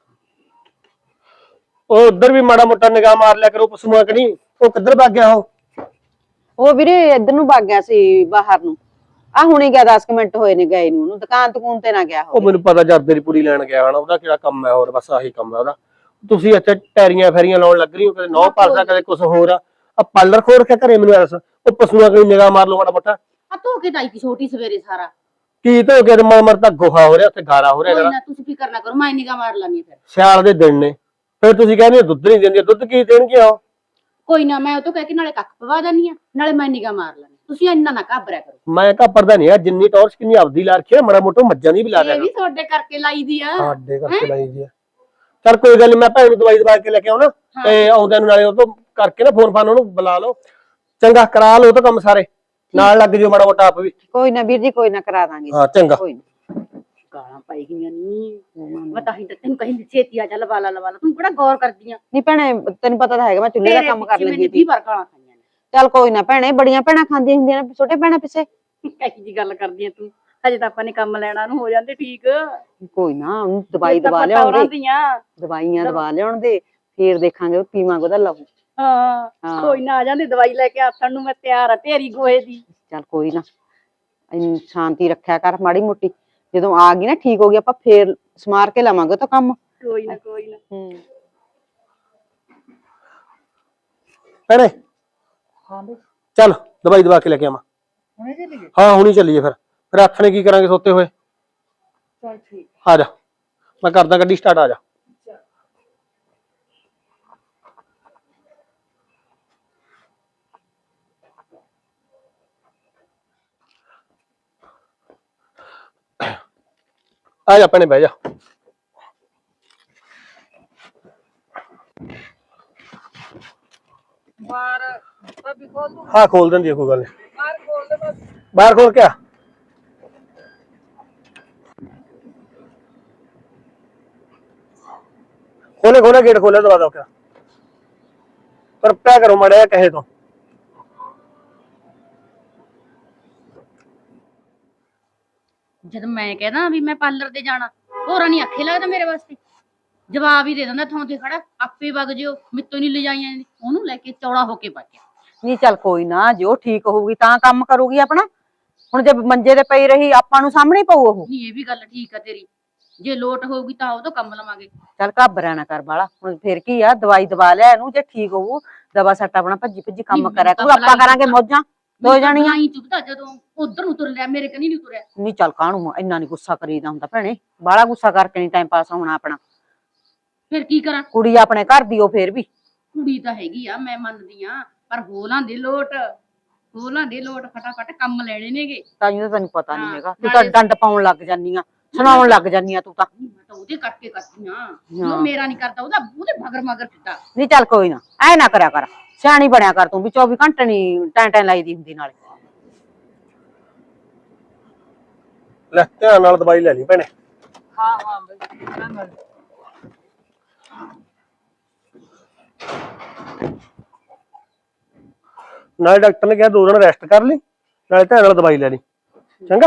D: ਉਹ ਉੱਧਰ ਵੀ ਮਾੜਾ ਮੋਟਾ ਨਿਗਾਹ ਮਾਰ ਲਿਆ ਕਰੋ ਪਸ਼ੂਆਂ ਕਨੀ, ਉਹ ਕਿੱਧਰ ਭੱਗ ਗਿਆ
A: ਉਹ ਵੀਰੇ ਇੱਧਰ ਨੂੰ ਭੱਗ ਗਿਆ ਸੀ ਬਾਹਰ ਨੂੰ, ਆ ਹੁਣੇ ਗਿਆ 10 ਮਿੰਟ ਹੋਏ ਨੇ ਗਏ ਨੂੰ, ਉਹਨੂੰ ਦੁਕਾਨ ਤਕੂਨ ਤੇ ਨਾ ਗਿਆ
D: ਉਹ
A: ਹੋਵੇ।
D: ਮੈਨੂੰ ਪਤਾ ਜਰਦੇ ਦੀ ਪੂਰੀ ਲੈਣ ਗਿਆ ਹਨਾ, ਉਹਦਾ ਕਿਹੜਾ ਕੰਮ ਹੈ ਹੋਰ, ਬਸ ਆਹੀ ਕੰਮ ਹੈ ਉਹਦਾ। ਤੁਸੀਂ ਇੱਥੇ ਟੈਰੀਆਂ ਫੈਰੀਆਂ ਲਾਉਣ ਲੱਗ ਰਹੀ ਹੋ, ਕਦੇ ਨੌ ਪਾਲਦਾ ਕਦੇ ਕੁਝ ਹੋਰ ਆ ਪਾਲਰ ਖੋਲ ਰੱਖਿਆ ਘਰੇ, ਮੈਨੂੰ ਐਸ ਉਹ ਪਸ਼ੂਆਂ ਕਨੀ ਨਿਗਾਹ ਮਾਰ ਲਓ ਮਾੜਾ ਮੋਟਾ।
C: ਆ ਧੋ ਕੇ ਦਾਈ ਦੀ ਛੋਟੀ ਸਵੇਰੇ ਸਾਰਾ।
D: ਕੀ ਧੋ ਕੇ ਮਰ ਤਾਂ ਗੋਹਾ ਹੋ ਰਿਹਾ ਉੱਥੇ, ਗਾਰਾ ਹੋ ਰਿਹਾ
C: ਕੋਈ
D: ਜਿਹੜਾ।
C: ਨਾ ਤੁਸੀਂ ਫਿਕਰ ਨਾ ਕਰੋ, ਮੈਂ ਨਿਗਾਹ ਮਾਰ ਲਾਂਗੀ ਫਿਰ।
D: ਸਿਆਲ ਦੇ ਦਿਨ ਨੇ, ਫਿਰ ਤੁਸੀਂ ਕਹਿੰਦੇ ਹੋ ਦੁੱਧ ਨਹੀਂ ਦਿੰਦੀ, ਦੁੱਧ ਕੀ ਦੇਣਗੇ ਉਹ।
C: ਕੋਈ ਨਾ, ਮੈਂ ਉਹ ਤੋਂ ਕਹਿ ਕੇ ਨਾਲੇ ਕੱਖ ਪਵਾ ਦਾਨੀ ਆ, ਨਾਲੇ ਮੈਂ ਨਿਗਾਹ ਮਾਰ ਲਾਂਗੀ। ਤੁਸੀਂ ਇੰਨਾ ਨਾ ਘਾਬਰਿਆ ਕਰੋ।
D: ਮੈਂ ਘਾਬਰਦਾ ਨਹੀਂ ਆ, ਜਿੰਨੀ ਟੌਰਚ ਕਿੰਨੀ ਆਪਦੀ ਲਾ ਰੱਖੀ ਆ, ਮਾੜਾ ਮੋਟਾ ਮੱਝਾਂ ਦੀ ਵੀ ਲਾ ਦਿਆ
C: ਇਹ ਵੀ ਤੁਹਾਡੇ ਕਰਕੇ ਲਾਈ ਦੀ ਆ।
D: ਸਾਡੇ ਕਰਕੇ ਲਾਈ ਦੀ ਆ। ਚੱਲ ਕੋਈ ਗੱਲ ਨੀ, ਮੈਂ ਭੈਣ ਨੂੰ ਦਵਾਈ ਦਵਾ ਕੇ ਲੈ ਕੇ ਆਉਣਾ, ਤੇ ਆਉਂਦਿਆਂ ਨੂੰ ਨਾਲੇ ਉਹ ਤੋਂ ਕਰਕੇ ਨਾ ਫੋਨ ਫਾਨ ਉਹਨੂੰ ਬੁਲਾ ਲਓ, ਚੰਗਾ ਕਰਾ ਲਓ ਤਾਂ ਕੰਮ ਸਾਰੇ, ਨਾਲ ਲੱਗ ਜਿਓ ਮਾੜਾ ਮੋਟਾ ਆਪ ਵੀ।
A: ਕੋਈ ਨਾ ਵੀਰ ਜੀ, ਕੋਈ ਨਾ ਕਰਾ ਦਾਂਗੇ।
D: ਹਾਂ ਚੰਗਾ।
A: ਕੋਈ ਨਾ।
C: ਗਾਲਾਂ ਪਾਈ ਗਈਆਂ ਨੀ, ਮੈਂ ਤਾਂ ਹੀ ਤੈਨੂੰ ਕਹਿੰਦੀ ਛੇਤੀ ਆ ਜਾ, ਲਵਾ ਲਾ ਤੂੰ ਕਿਹੜਾ ਗੌਰ ਕਰਦੀਆਂ।
A: ਨਹੀਂ ਭੈਣੇ ਤੈਨੂੰ ਪਤਾ ਤਾਂ ਹੈਗਾ ਮੈਂ ਚੁੱਲ੍ਹੇ ਦਾ ਕੰਮ ਕਰ ਲੈਂਦੀ ਸੀ।
C: 20 ਵਾਰ ਗਾਲਾਂ ਖਾਈਆਂ ਨੇ।
A: ਚੱਲ ਕੋਈ ਨਾ ਭੈਣੇ, ਬੜੀਆਂ ਭੈਣਾਂ ਖਾਂਦੀਆਂ ਹੁੰਦੀਆਂ ਨੇ ਛੋਟੇ ਭੈਣਾਂ ਪਿੱਛੇ।
C: ਕਹੀ ਜੀ ਗੱਲ ਕਰਦੀ ਆ ਤੂੰ, ਹਜੇ ਤਾਂ ਆਪਾਂ ਨੇ ਕੰਮ ਲੈਣਾ ਨੂੰ ਹੋ ਜਾਂਦੇ ਠੀਕ।
A: ਕੋਈ ਨਾ ਉਹਨੂੰ ਦਵਾਈ ਦਵਾ ਲਿਆਉਂਦੇ, ਦਵਾਈਆਂ ਦਵਾ ਲਿਆਉਣ ਦੇ, ਫੇਰ ਦੇਖਾਂਗੇ ਉਹ ਪੀਵਾਂਗੇ ਉਹਦਾ ਲਹੂ।
C: ਹਾਂ ਕੋਈ ਨਾ, ਆ ਜਾਂਦੀ ਦਵਾਈ ਲੈ ਕੇ ਆਥਣ ਨੂੰ, ਮੈਂ ਤਿਆਰ ਆ ਢੇਰੀ ਗੋਹੇ ਦੀ।
A: ਚੱਲ ਕੋਈ ਨਾ, ਇੰਨੀ ਸ਼ਾਂਤੀ ਰੱਖਿਆ ਕਰ ਮਾੜੀ ਮੋਟੀ, ਜਦੋਂ ਆ ਗਈ ਨਾ ਠੀਕ ਹੋ ਗਈ ਆਪਾਂ ਫੇਰ ਸਮਾਰ ਕੇ ਲਾਵਾਂਗੇ ਤਾਂ ਕੰਮ।
C: ਕੋਈ ਨਾ ਕੋਈ ਨਾ।
D: ਭੈਣੇ
B: ਹਾਂ ਬਈ
D: ਚੱਲ ਦਵਾਈ ਦਵਾ ਕੇ ਲੈ ਕੇ ਆਵਾਂ।
B: ਹੁਣੇ ਚੱਲੀਏ।
D: ਹਾਂ ਹੁਣੀ ਚੱਲੀਏ, ਫਿਰ ਹੱਥ ਨੇ ਕੀ ਕਰਾਂਗੇ ਸੋਤੇ ਹੋਏ।
B: ਚਲ ਠੀਕ।
D: ਆ ਜਾ, ਮੈਂ ਕਰਦਾ ਗੱਡੀ ਸਟਾਰਟ, ਆ ਜਾ। ਆ ਜਾ ਭੈਣੇ, ਬਹਿ ਜਾ।
B: ਬਾਹਰ ਭਾਬੀ ਖੋਲ ਦੂੰ।
D: ਹਾਂ ਖੋਲ ਦਿੰਦੀ ਆ, ਕੋਈ ਗੱਲ ਨੀ।
B: ਬਾਹਰ ਖੋਲ ਦੇ ਬਸ।
D: ਬਾਹਰ ਖੋਲ ਕੇ ਆ। ਖੋਲੇ ਗੇਟ ਖੋਲੇ, ਦਵਾ ਦੋ ਕਿਆ ਪਰ ਪਿਆ ਕਰੋ ਮੜਿਆ ਕਹੇ ਤੋਂ।
C: ਜਦ ਮੈਂ ਕਹਿੰਦਾ ਵੀ ਮੈਂ ਪਾਰਲਰ ਤੇ ਜਾਣਾ, ਹੋਰਾਂ ਨਹੀਂ ਆਖੇ ਲੱਗਦਾ ਮੇਰੇ ਵਾਸਤੇ। ਜਵਾਬ ਹੀ ਦੇ ਦਿੰਦਾ ਥਾਂ ਤੇ ਖੜਾ, ਆਪੇ ਵਗ ਜਿਓ, ਮਿੱਤੋਂ ਨਹੀਂ ਲਿਜਾਈਆਂ ਜਾਂਦੀ। ਉਹਨੂੰ ਲੈ ਕੇ ਚੌੜਾ ਹੋ ਕੇ ਬਾਕਿਆ।
A: ਨਹੀਂ ਚੱਲ ਕੋਈ ਨਾ, ਜੇ ਉਹ ਠੀਕ ਹੋਊਗੀ ਤਾਂ ਕੰਮ ਕਰੂਗੀ ਆਪਣਾ। ਹੁਣ ਜੇ ਮੰਜੇ ਤੇ ਪਈ ਰਹੀ ਆਪਾਂ ਨੂੰ ਸਾਹਮਣੇ ਹੀ ਪਊ ਉਹ।
C: ਨਹੀਂ, ਇਹ ਵੀ ਗੱਲ ਠੀਕ ਆ ਤੇਰੀ, ਜੇ ਲੋਟ ਹੋਊਗੀ ਤਾਂ ਉਹ ਤੋਂ ਕੰਮ ਲਵਾਂਗੇ।
A: ਚੱਲ ਘਾਬਰਿਆ ਨਾ ਕਰ ਬਾਲਾ, ਹੁਣ ਫਿਰ ਕੀ ਆ, ਦਵਾਈ ਦਵਾ ਲਿਆ ਇਹਨੂੰ, ਜੇ ਠੀਕ ਹੋਊ ਦਵਾ ਸੱਟ ਆਪਣਾ ਭੱਜੀ ਭੱਜੀ ਕੰਮ
C: ਨਹੀਂ,
A: ਕਰਿਆ
C: ਤਾਂ
A: ਕਰੂ, ਆਪਾਂ ਕਰਾਂਗੇ ਮੌਜਾਂ ਦੋ ਜਾਣੀਆਂ।
C: ਹੀ ਚੁੱਪਦਾ ਜਦੋਂ ਉਧਰ ਨੂੰ ਤੁਰ ਲਿਆ, ਮੇਰੇ ਕਨੀ ਨਹੀਂ ਤੁਰਿਆ।
A: ਨਹੀਂ ਚੱਲ ਕਾਹਨੂੰ ਇੰਨਾ ਨੀ ਗੁੱਸਾ ਕਰੀਦਾ ਹੁੰਦਾ ਭੈਣੇ, ਬਾਲਾ ਗੁੱਸਾ ਕਰਕੇ ਨਹੀਂ ਟਾਈਮ ਪਾਸ ਹੋਣਾ ਆਪਣਾ।
C: ਫਿਰ ਕੀ ਕਰਾਂ?
A: ਕੁੜੀ ਆਪਣੇ ਘਰ ਦੀ ਉਹ ਫੇਰ ਵੀ।
C: ਕੁੜੀ ਤਾਂ ਹੈਗੀ ਆ, ਮੈਂ ਮੰਨਦੀ ਆ, ਪਰ ਹੋਲਾਂ ਦੇ ਲੋਟ, ਹੋਲਾਂ ਦੇ ਲੋਟ, ਫਟਾਫਟ ਕੰਮ ਲੈਣੇ ਨੇਗੇ।
A: ਤਾਈਓ ਤਾਂ ਤੈਨੂੰ ਪਤਾ ਨਹੀਂ
C: ਹਾਂ,
A: ਹੈਗਾ, ਤੂੰ ਤਾਂ ਡੰਡ ਪਾਉਣ ਲੱਗ ਜਾਨੀ ਆ, ਸੁਣਾਉਣ ਲੱਗ ਜਾਨੀ ਆ ਤੂੰ ਤਾਂ।
C: ਮੈਂ ਤਾਂ ਉਹਦੇ ਕਰਕੇ ਕਰਦੀ ਆ, ਜੋ ਮੇਰਾ ਨਹੀਂ ਕਰਦਾ ਉਹਦੇ ਮਗਰ ਮਗਰ ਫਿਰਦਾ।
A: ਨਹੀਂ ਚੱਲ ਕੋਈ ਨਾ, ਐ ਨਾ ਕਰਿਆ ਕਰ, ਸਿਆਣੀ ਬਣਿਆ ਕਰ ਤੂੰ ਵੀ, 24 ਘੰਟੇ ਨੀ ਟੈਂ ਲਾਈ ਦੀ ਹੁੰਦੀ ਨਾਲੇ।
D: ਲੈ ਧਿਆਨ ਨਾਲ ਦਵਾਈ ਲੈ ਲਈ ਭੈਣੇ।
B: ਹਾਂ ਹਾਂ ਬਈ
D: ਨਾਲੇ ਡਾਕਟਰ ਨੇ ਕਿਹਾ 2 ਦਿਨ ਰੈਸਟ ਕਰ ਲਈ, ਨਾਲੇ ਧਿਆਨ ਨਾਲ ਦਵਾਈ ਲੈ ਲਈ, ਚੰਗਾ।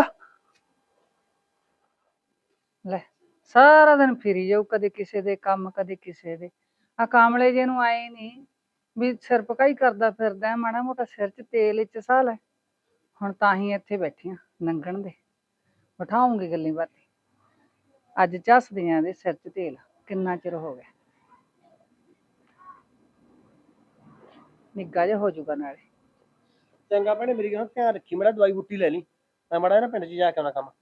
B: ਲੈ ਸਾਰਾ ਦਿਨ ਫਿਰੀ ਜਾਊ, ਕਦੇ ਕਿਸੇ ਦੇ ਕੰਮ ਕਦੇ ਕਿਸੇ ਦੇ। ਆ ਕਾਮਲੇ ਜੇ ਨੂੰ ਆਏ ਨਹੀਂ ਵੀ ਸਿਰ ਪਕਾਈ ਕਰਦਾ ਫਿਰਦਾ, ਮਾੜਾ ਮੋਟਾ ਸਿਰ 'ਚ ਤੇਲ ਵਿੱਚ ਸਾਹ ਲੈ। ਹੁਣ ਤਾਂ ਹੀ ਇੱਥੇ ਬੈਠੀਆਂ ਨੰਗਣ ਦੇ, ਬਿਠਾਉਂਗੀ ਗੱਲਾਂ ਬਾਤਾਂ। ਅੱਜ ਝੱਸਦੀਆਂ ਦੇ ਸਿਰ 'ਚ ਤੇਲ, ਕਿੰਨਾ ਚਿਰ ਹੋ ਗਿਆ। ਨਿੱਘਾ ਜਿਹਾ ਹੋ ਜਾਊਗਾ ਨਾਲੇ।
D: ਚੰਗਾ ਭੈਣੇ, ਮੇਰੀ ਗੱਲ ਧਿਆਨ ਰੱਖੀ, ਮੇਰਾ ਦਵਾਈ ਬੂਟੀ ਲੈ ਲਈ, ਮੈਂ ਮਾੜਾ ਨਾ ਪਿੰਡ 'ਚ ਜਾ ਕੇ ਆਉਣਾ ਕੰਮ।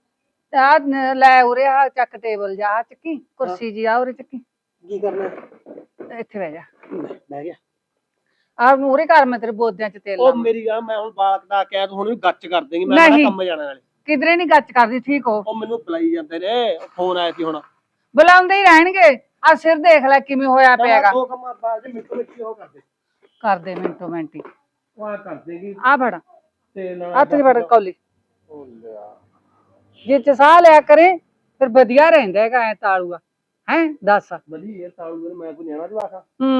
B: ਆ ਲੈ ਉਰੇ ਆ ਚੱਕ ਟੇਬਲ ਜਾ, ਚੱਕੀ ਕੁਰਸੀ ਜੀ ਆ ਉਰੇ ਚੱਕੀ।
D: ਕੀ ਕਰਨਾ?
B: ਇੱਥੇ ਬਹਿ ਜਾ,
D: ਬਹਿ ਗਿਆ।
B: ਆ ਮੂਰੇ ਘਰ ਮੈਂ ਤੇਰੇ ਬੋਦਿਆਂ 'ਚ ਤੇਲ
D: ਉਹ
B: ਲਾਵਾਂ।
D: ਮੇਰੀ ਗੱਲ, ਮੈਂ ਹੁਣ ਬਾਲ ਕਟਾ ਕੇ ਆਇਆ, ਤੂੰ ਹੁਣ ਵੀ ਗੱਚ ਕਰ ਦੇਂਗੀ, ਮੈਂ ਕਿਹੜਾ ਕੰਮ ਜਾਣਾ ਨਾਲੇ।
B: ਕਿਧਰੇ ਨੀ ਗੱਚ ਕਰਦੀ, ਠੀਕ ਹੋ?
D: ਉਹ ਮੈਨੂੰ ਬੁਲਾਈ ਜਾਂਦੇ ਨੇ, ਫੋਨ ਆਇਆ ਸੀ ਹੁਣ।
B: ਬੁਲਾਉਂਦੇ ਹੀ ਰਹਿਣਗੇ। ਆ ਸਿਰ ਦੇਖ ਲੈ ਕਿਵੇਂ ਹੋਇਆ ਪਿਆਗਾ।
D: 2 ਕੰਮਾਂ ਬਾਅਦ ਮਿੰਟੋ ਮਿੰਟ ਉਹ ਕਰਦੇ।
B: ਕਰਦੇ ਮਿੰਟੋ ਮਿੰਟੀ
D: ਉਹ ਆ ਕਰ ਦੇਗੀ
B: ਆ ਫੜ,
D: ਤੇ ਨਾਲ
B: ਹੱਥ 'ਚ ਫੜ ਕੌਲੀ।
D: ਉਹ ਲਿਆ
B: ਜੇ ਚ ਸਾਹ ਲਿਆ ਕਰੇ ਫਿਰ ਵਧੀਆ ਰਹਿੰਦਾ ਹੈਗਾ, ਐ ਤਾਲੂਆ ਹੈ। ਦੱਸ
D: ਵਧੀਆ ਤਾਲੂ, ਮੈਂ ਕੋਈ ਨਿਆਣਾ ਜਵਾਖਾ।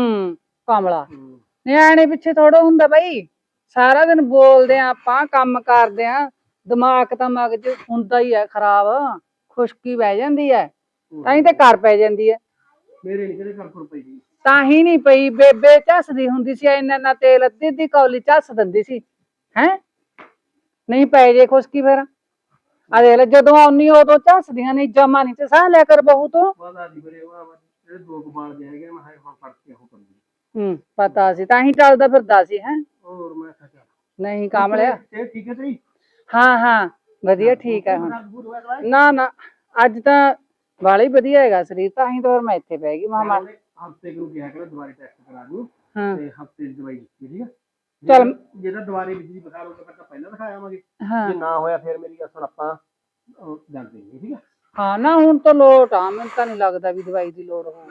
B: ਕਮਲਾ ਨਿਆਣੇ ਪਿੱਛੇ ਥੋੜਾ ਹੁੰਦਾ ਬਈ। ਸਾਰਾ ਦਿਨ ਬੋਲਦੇ ਆ ਆਪਾਂ, ਕੰਮ ਕਰਦੇ ਆ, ਦਿਮਾਗ ਤਾਂ ਮਗਜ ਹੁੰਦਾ ਹੀ ਹੈ ਖਰਾਬ, ਖੁਸ਼ਕੀ ਬਹਿ ਜਾਂਦੀ ਹੈ, ਤਾਂ ਹੀ ਤੇ ਕਰ ਪੈ ਜਾਂਦੀ ਹੈ।
D: ਮੇਰੇ ਨਹੀਂ ਕਿਹਦੇ ਘਰ ਖੁਰ ਪਈ ਸੀ।
B: ਤਾਂ ਹੀ ਨਹੀਂ ਪਈ, ਬੇਬੇ ਝੱਸਦੀ ਹੁੰਦੀ ਸੀ, ਇੰਨਾ ਤੇਲ ਅੱਧੀ ਅੱਧੀ ਕੌਲੀ ਝੱਸ ਦਿੰਦੀ ਸੀ। ਹੈ ਨਹੀਂ ਪੈ ਜੇ ਖੁਸ਼ਕੀ ਫਿਰ ਆ ਦੇਖ ਲੈ, ਜਦੋਂ ਆਉਣੀ ਉਦੋਂ ਝੱਸਦੀਆਂ ਨਹੀਂ, ਜਮਾ ਨਹੀਂ ਤੇ ਸਾਹ ਲਿਆ ਕਰ ਬਹੂ ਤੋਂ।
D: ਪਤਾ ਨਹੀਂ ਵੀਰੇ, ਉਹ ਜਿਹੜੇ 2 ਕਬਾਲ ਜੇ ਹੈਗੇ, ਮੈਂ ਹੁਣ ਫੜ ਕੇ ਉਹ ਕਰਨੀ।
B: ਪਤਾ ਸੀ, ਤਾਂ ਹੀ ਚੱਲਦਾ ਫਿਰਦਾ ਸੀ। ਹੈ
D: ਹੋਰ ਮੈਂ ਕਿਹਾ
B: ਨਹੀਂ ਕਾਮਲਿਆ।
D: ਇਹ ਠੀਕ ਹੈ ਤੇਰੀ?
B: ਹਾਂ ਹਾਂ ਵਧੀਆ ਠੀਕ ਹੈ ਹੁਣ। ਨਾ ਨਾ ਅੱਜ ਤਾਂ ਵਾਲਾ ਹੀ ਵਧੀਆ ਹੈਗਾ ਸਰੀਰ, ਤਾਂ ਹੀ ਤਾਂ ਫਿਰ ਮੈਂ ਇੱਥੇ ਬਹਿ ਗਈ। ਮਾਮਾ
D: ਹਫਤੇ ਨੂੰ ਕਿਹਾ ਕਰ ਦੁਬਾਰੇ ਟੈਸਟ ਕਰਾ ਦੂ, ਤੇ ਹਫਤੇ ਦੀ ਦਵਾਈ ਦਿੱਤੀ, ਠੀਕ ਹੈ।
B: ਚੱਲ
D: ਜਿਹੜਾ ਦੁਬਾਰੇ ਵਿੱਚ ਦੀ ਬੁਖਾਰ ਹੋਊਗਾ ਤਾਂ ਪਹਿਲਾਂ ਦਿਖਾਇਆ ਆਵਾਂਗੇ,
B: ਹਾਂ
D: ਜੇ ਨਾ ਹੋਇਆ ਫਿਰ ਮੇਰੀ ਗੱਲ ਸੁਣ, ਆਪਾਂ ਜਾਂਦੇ ਹਾਂ, ਠੀਕ ਹੈ।
B: ਹਾਂ ਨਾ ਹੁਣ ਤਾਂ ਲੋਟ ਆ, ਮੈਨੂੰ ਤਾਂ ਨਹੀਂ ਲੱਗਦਾ ਵੀ ਦਵਾਈ ਦੀ ਲੋੜ ਹੋਊ।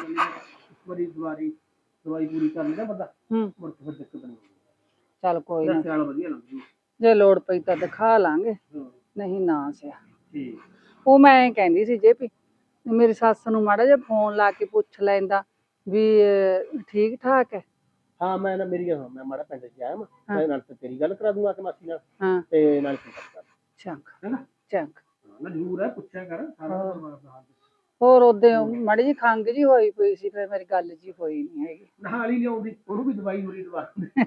D: ਇੱਕ ਵਾਰੀ ਦਵਾਈ ਪੂਰੀ ਕਰ ਲਈ ਨਾ ਬੰਦਾ, ਮੁੜ ਕੇ ਫਿਰ ਦਿੱਕਤ ਨਹੀਂ ਹੋਊਗੀ।
B: ਚੱਲ ਕੋਈ ਨਾ,
D: ਸਿਆਲ ਵਧੀਆ ਲੱਗਦੀ,
B: ਜੇ ਲੋੜ ਪਈ ਤਾਂ ਦਿਖਾ ਲਾਂਗੇ, ਨਹੀਂ ਨਾ ਸਿਆ।
D: ਠੀਕ।
B: ਉਹ ਮੈਂ ਐਂ ਕਹਿੰਦੀ ਸੀ ਜੇ ਵੀ ਮੇਰੀ ਸੱਸ ਨੂੰ ਮਾੜਾ ਜਿਹਾ ਫੋਨ ਲਾ ਕੇ ਪੁੱਛ ਲੈਂਦਾ ਵੀ ਠੀਕ ਠਾਕ ਹੈ।
D: ਹਾਂ ਮੈਂ ਨਾ, ਮੇਰੀ ਗੱਲ, ਮੈਂ ਮਾੜਾ ਪਿੰਡ 'ਚ ਆਇਆ, ਮੈਂ ਨਾਲ ਤੇ ਤੇਰੀ ਗੱਲ ਕਰਾ ਦੂੰਗਾ ਕਿ ਮਾਸੀ ਨਾਲ,
B: ਹਾਂ
D: ਤੇ ਨਾਲ ਕਰ
B: ਚੰਗ
D: ਹੈਨਾ।
B: ਚੰਗ
D: ਨਾ ਜ਼ਰੂਰ ਹੈ, ਪੁੱਛਿਆ ਕਰ ਸਾਰਾ।
B: ਹੋਰ ਉਹਦੇ ਮਾੜੀ ਜੀ ਖੰਗ ਜੀ ਹੋਈ ਪਈ ਸੀ, ਫਿਰ ਮੇਰੀ ਗੱਲ ਜੀ ਹੋਈ ਨਹੀਂ ਹੈਗੀ।
D: ਨਾਲ ਹੀ ਲਿਆਉਂਦੀ, ਉਹਨੂੰ ਵੀ ਦਵਾਈ ਹੋਰੀ ਦਵਾ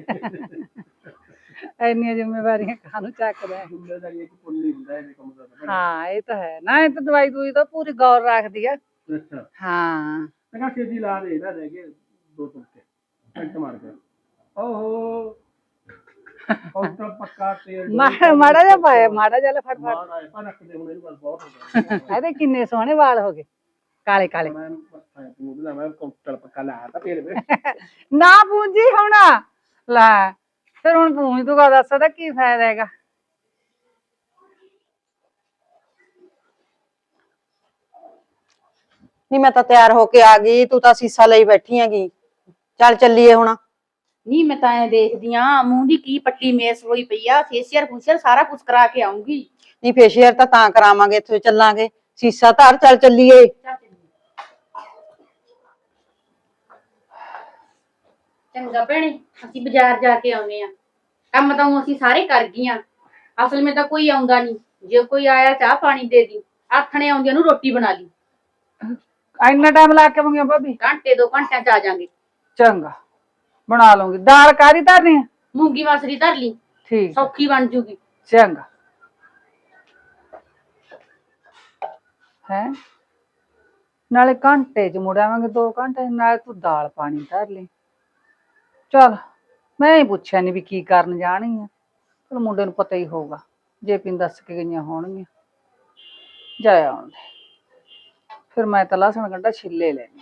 B: ਇੰਨੀਆਂ ਜ਼ਿੰਮੇਵਾਰੀਆਂ ਕਾਹਨੂੰ ਚੱਕਦਾ।
D: ਜ਼ਿੰਮੇਦਾਰੀ ਕਿ ਪੁੱਲ ਨਹੀਂ ਹੁੰਦਾ ਇਹ ਕੰਮ ਦਾ।
B: ਹਾਂ ਇਹ ਤਾਂ ਹੈ ਨਾ, ਇਹ ਤਾਂ ਦਵਾਈ ਦੂਈ ਤਾਂ ਪੂਰੀ ਗੌਰ ਰੱਖਦੀ ਆ।
D: ਅੱਛਾ
B: ਹਾਂ
D: ਮੈਂ ਕਿਹਾ ਛੇਤੀ ਲਾ ਦੇ ਨਾ, ਰਹਿ ਗਏ 2 ਤੁਲਕੇ ਮਿੰਟ ਮਾਰ ਕੇ। ਓਹੋ ਉਹ ਤਾਂ ਪੱਕਾ ਤੇਲ
B: ਮਾੜਾ ਜਿਹਾ ਪਾਇਆ, ਮਾੜਾ ਜਿਹਾ ਫੜ ਫੜ।
D: ਮਾਰ ਆਏ ਪਰ ਰੱਖਦੇ ਹੁਣ, ਇਹਨੂੰ ਬਹੁਤ ਹੋ ਗਿਆ।
B: ਇਹਦੇ ਕਿੰਨੇ ਸੋਹਣੇ ਵਾਲ ਹੋ ਗਏ, ਕਾਲੇ ਕਾਲੇ।
D: ਮੈਂ ਉਹਦਾ ਮੈਂ ਕੰਟਰਲ ਪੱਕਾ ਲਾਇਆ ਤਾਂ ਫੇਰ ਵੇ
B: ਨਾ ਪੂੰਜੀ ਹੁਣ ਲੈ, ਫਿਰ ਹੁਣ ਪੂੰਜ ਤੂੰ ਦੱਸ ਦਾ ਕੀ ਫਾਇਦਾ ਹੈਗਾ।
A: ਨਹੀਂ ਮੈਂ ਤਾਂ ਤਿਆਰ ਹੋ ਕੇ ਆ ਗਈ, ਤੂੰ ਤਾਂ ਸੀਸਾ ਲਈ ਬੈਠੀ ਹੈਗੀ। ਚੱਲ ਚੱਲੀਏ ਹੁਣ।
C: ਨਹੀਂ ਮੈਂ ਤਾਂ ਐ ਦੇਖਦੀ ਆ, ਮੂੰਹ ਦੀ ਕੀ ਪੱਟੀ ਮੇਸ ਹੋਈ ਪਈ ਆ, ਫੇਸ਼ੀਅਲ ਫੂਸ਼ੀਅਲ ਸਾਰਾ ਕੁਝ ਕਰਾ ਕੇ ਆਉਂਗੀ।
A: ਨਹੀਂ ਫੇਸ਼ੀਅਲ ਤਾਂ ਕਰਾਵਾਂਗੇ, ਇੱਥੇ ਚੱਲਾਂਗੇ, ਸੀਸਾ ਧਰ, ਚੱਲ ਚੱਲੀਏ।
C: ਚੰਗਾ ਭੈਣੇ, ਅਸੀਂ ਬਾਜ਼ਾਰ ਜਾ ਕੇ ਆਉਨੇ ਆ। ਕੰਮ ਤਾਂ ਅਸੀਂ ਸਾਰੇ ਕਰ ਗਈਆਂ, ਅਸਲ ਵਿੱਚ ਤਾਂ ਕੋਈ ਆਉਂਦਾ ਨਹੀਂ। ਜੇ ਕੋਈ ਆਇਆ ਚਾਹ ਪਾਣੀ ਦੇ ਦੀ, ਆਥਣੇ ਆਉਂਦੀਆਂ ਨੂੰ ਰੋਟੀ ਬਣਾ ਲਈ।
B: ਇੰਨਾ ਟਾਈਮ ਲਾ ਕੇ ਆਵਾਂਗੇ ਭਾਬੀ?
C: ਘੰਟੇ 2 ਘੰਟਿਆਂ ਚ ਆ ਜਾਾਂਗੇ।
B: ਚੰਗਾ, ਬਣਾ ਲਵਾਂਗੀ। ਦਾਲ ਕਾਹਦੀ ਧਰਨੀ ਹੈ?
C: ਮੂੰਗੀ ਮਸਰੀ ਧਰ ਲਈ,
B: ਠੀਕ,
C: ਸੌਖੀ ਬਣ ਜੂਗੀ।
B: ਚੰਗਾ। ਹੈ ਨਾਲੇ ਘੰਟੇ ਚ ਮੁੜ ਆਵਾਂਗੇ, 2 ਘੰਟੇ ਨਾਲ। ਤੂੰ ਦਾਲ ਪਾਣੀ ਧਰ ਲਈ। ਚਲ ਮੈਂ ਹੀ ਪੁੱਛਿਆ ਨੀ ਵੀ ਕੀ ਕਰਨ ਜਾਣੀ ਆ। ਚਲ ਮੁੰਡੇ ਨੂੰ ਪਤਾ ਹੀ ਹੋਊਗਾ, ਜੇ ਪਿੰਡ ਦੱਸ ਕੇ ਗਈਆਂ ਹੋਣਗੀਆਂ। ਜਾਇਆ ਆਉਣ ਦੇ। ਫਿਰ ਮੈਂ ਤਾਂ ਲਸਣ ਗੰਢਾ ਛਿੱਲੇ ਲੈਣੀ।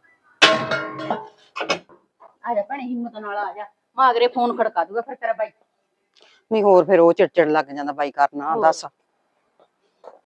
C: ਆ ਜਾ ਭੈਣੇ, ਹਿੰਮਤ ਨਾਲ ਆ ਜਾ। ਮਾਗਰੇ ਫੋਨ ਖੜਕਾ ਦੂਗਾ ਫਿਰ ਤੇਰਾ ਬਾਈ।
A: ਨਹੀਂ ਹੋਰ ਫਿਰ ਉਹ ਚਿੜਚਿੜ ਲੱਗ ਜਾਂਦਾ ਬਾਈ ਕਰਨਾ। ਦੱਸ